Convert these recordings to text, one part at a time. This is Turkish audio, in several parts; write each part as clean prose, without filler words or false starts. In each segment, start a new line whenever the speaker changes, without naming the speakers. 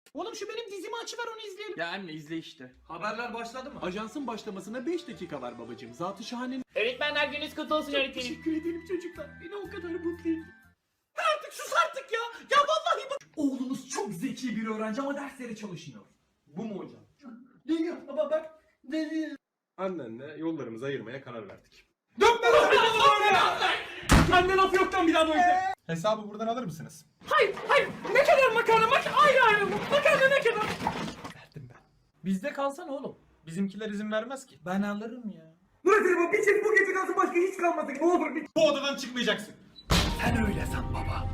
Oğlum şu benim dizimi açıver onu izleyelim.
Ya anne izle işte.
Haberler başladı mı?
Ajansın başlamasına 5 dakika var babacığım. Zat-ı şahanenin...
Öğretmenler gününüz kutlu olsun öğretmenim.
Teşekkür ederim çocuklar. Beni o kadar mutlu ettin.
Artık sus artık ya. Ya vallahi bak. Oğlunuz çok zeki bir öğrenci ama derslere çalışmıyor. Bu mu hocam? Değil baba bak. Değil.
Annenle yollarımızı ayırmaya karar verdik.
Dönme lan böyle. Anne laf yoktan bir daha böyle.
Hesabı buradan alır mısınız?
Hayır. Ne kadar makarna? Ayrı mı? Makarna ne kadar?
Verdim ben.
Bizde kalsana oğlum.
Bizimkiler izin vermez ki.
Ben alırım ya.
Müdürüm bir çift bu gece kalsın başka hiç kalmasın. Ne olur bir...
Bu odadan çıkmayacaksın.
Sen öyle san baba.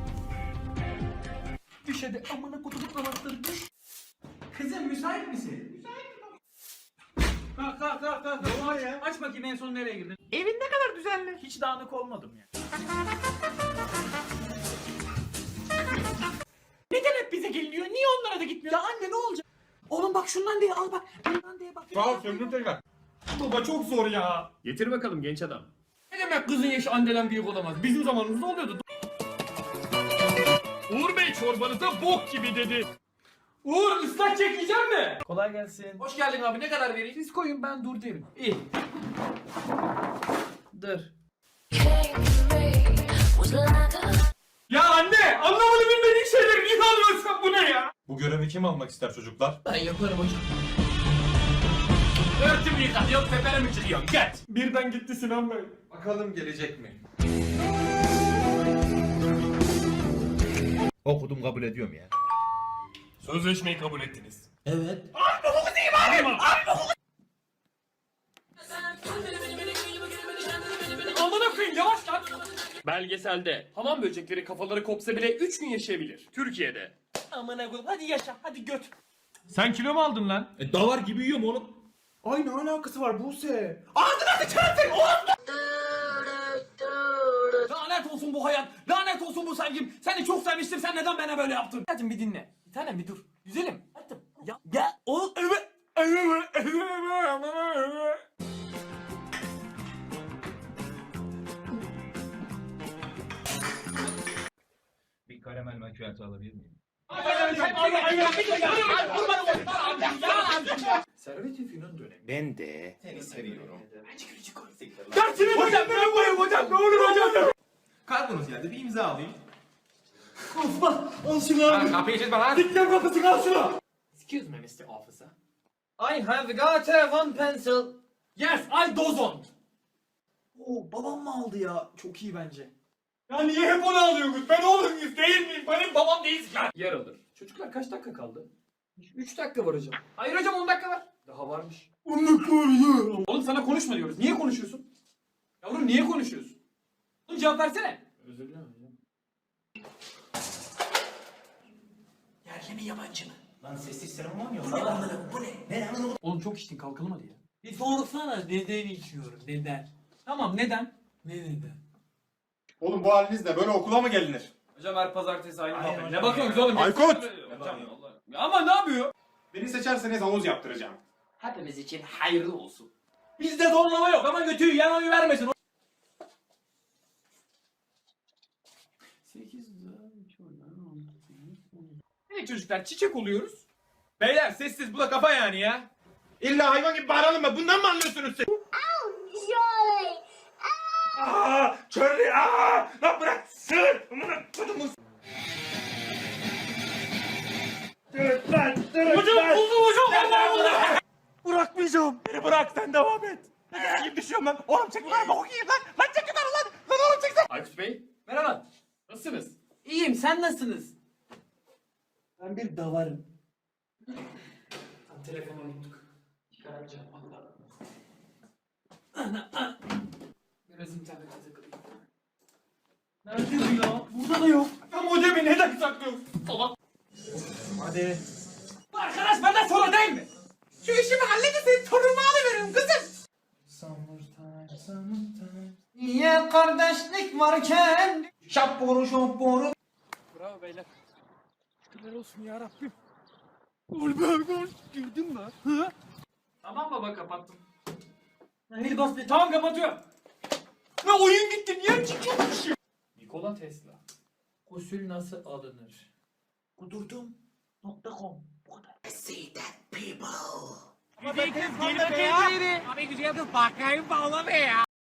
Düş hadi amına kutuluk namazları düş. Kızım müsait misin? Müsaitim baba. Kalk. Ne var ya? Aç bakayım en son nereye girdin? Evin ne kadar düzenli. Hiç dağınık olmadım ya. Neden hep bize geliniyor? Niye onlara da gitmiyor? Ya anne ne olacak? Oğlum bak şundan diye al bak. Bundan diye bak.
Sağ ol söndür tekrar.
Baba çok zor ya.
Getir bakalım genç adam.
Ne demek kızın yaşı anneden büyük olamaz? Bizim zamanımızda oluyordu.
Uğur Bey çorbanıza bok gibi dedi.
Uğur ıslak çekeceğim mi? Kolay gelsin. Hoş geldin abi ne kadar vereyim? Siz koyun ben dur derim. İyi. Dur. Ya anne anlamadı bilmediğin şeyleri niye almıyorsun bu ne ya?
Bu görevi kim almak ister çocuklar?
Ben yaparım hocam. Örtümü yıkat yok tepene mi çıkıyorsun? Geç. Birden gitti Sinan Bey.
Bakalım gelecek mi?
Okudum kabul ediyorum ya.
Sözleşmeyi kabul ettiniz.
Amına koyayım yavaş lan.
Belgeselde hamam böcekleri kafaları kopsa bile 3 gün yaşayabilir. Türkiye'de.
Amına koyayım hadi yaşa hadi göt.
Sen kilo mu aldın lan?
Davar gibi yiyorum oğlum.
Ay ne alakası var Buse?
Lanet olsun bu hayat. Lanet olsun bu sevgim. Seni çok sevmiştim. Sen neden bana böyle yaptın? Hadi bir dinle. Bir tanem bir dur. Güzelim. Hadi. Ya o evet.
Bir karamel macchiato alabilir miyim?
Servet-i Fünun dönemi.
Ben de.
Dersini hocam ben koyayım hocam. Ne olur hocam.
Kargonuz geldi bir imza alayım.
Osman al şunu abi.
Kapıyı çizme lan.
Dikkat kapısını al şunu. Excuse me Mr. Officer. I have got one pencil. Yes I don't. Oo babam mı aldı ya? Çok iyi bence. Ya niye hep onu alıyorsunuz? Ben oğlunuz değil miyim? Benim babam değilsin ya. Yer alır. Çocuklar kaç dakika kaldı? 3 dakika var hocam. Hayır hocam 10 dakika var. Daha varmış. 10 dakika var ya. Oğlum sana konuşma diyoruz. Niye konuşuyorsun? Yavrum niye konuşuyorsun? Oğlum cevap versene. Özür dilerim hocam. Yerli mi yabancı mı?
Lan sessiz seremon yok. Bu ne? Ne anladın?
Oğlum çok içtin kalkalım hadi ya. Bir sorsana neden içiyorum neden? Tamam neden? Ne neden?
Oğlum bu halinizle böyle okula mı gelinir?
Hocam her pazartesi aynı
Aynen
muhabbet.
hocam
Ne bakıyorsunuz oğlum?
Aykut!
Hocam Allah. Ama ne yapıyor?
Beni seçerseniz havuz yaptıracağım.
Hepimiz için hayırlı olsun. Bizde zorlama yok ama götüyü yan oyu vermesin. 8 Evet çocuklar çiçek oluyoruz.
Beyler sessiz bu da kafa yani ya. İlla hayvan gibi bağıralım mı? Bundan mı anlıyorsunuz siz? Aaa! Charlie! Aaa! Lan bırak! Sığır! Amına kodumun!
Hocam buldum hocam. Vallahi buldum.
Bırakmayacağım! Beni bırak sen devam et! Kim düşüyorum lan? Oğlum çek yukarı bak okuyayım lan! Lan çek yukarı lan! Lan oğlum çek sen!
Aykut Bey
Merhaba.
nasılsınız?
İyiyim sen nasılsınız? Ben bir davarım. Telefonu unuttuk. Çıkaracağım valla. Biraz internete takılayım. Nerede bu ya? Burada da yok.
Ya modemi neden saklıyorsun?
Salak.
Hadi.
Arkadaş benden sonra değil mi? Şu işimi halledin torunumu alıveririm kızım. Niye kardeşlik varken? Şapboru şapboru.
Bravo beyler. Şükürler olsun ya Rabbim. Girdin mi? Hı?
Tamam baba kapattım. Hadi bas bir tamam kapatıyorum. Ne oyun gitti niye çıkıyormuş?
Nikola Tesla.
Gusül nasıl alınır? Kudurdum. Nokta.com. Bu kadar.
Abi güzel kız bakayım bağla be ya.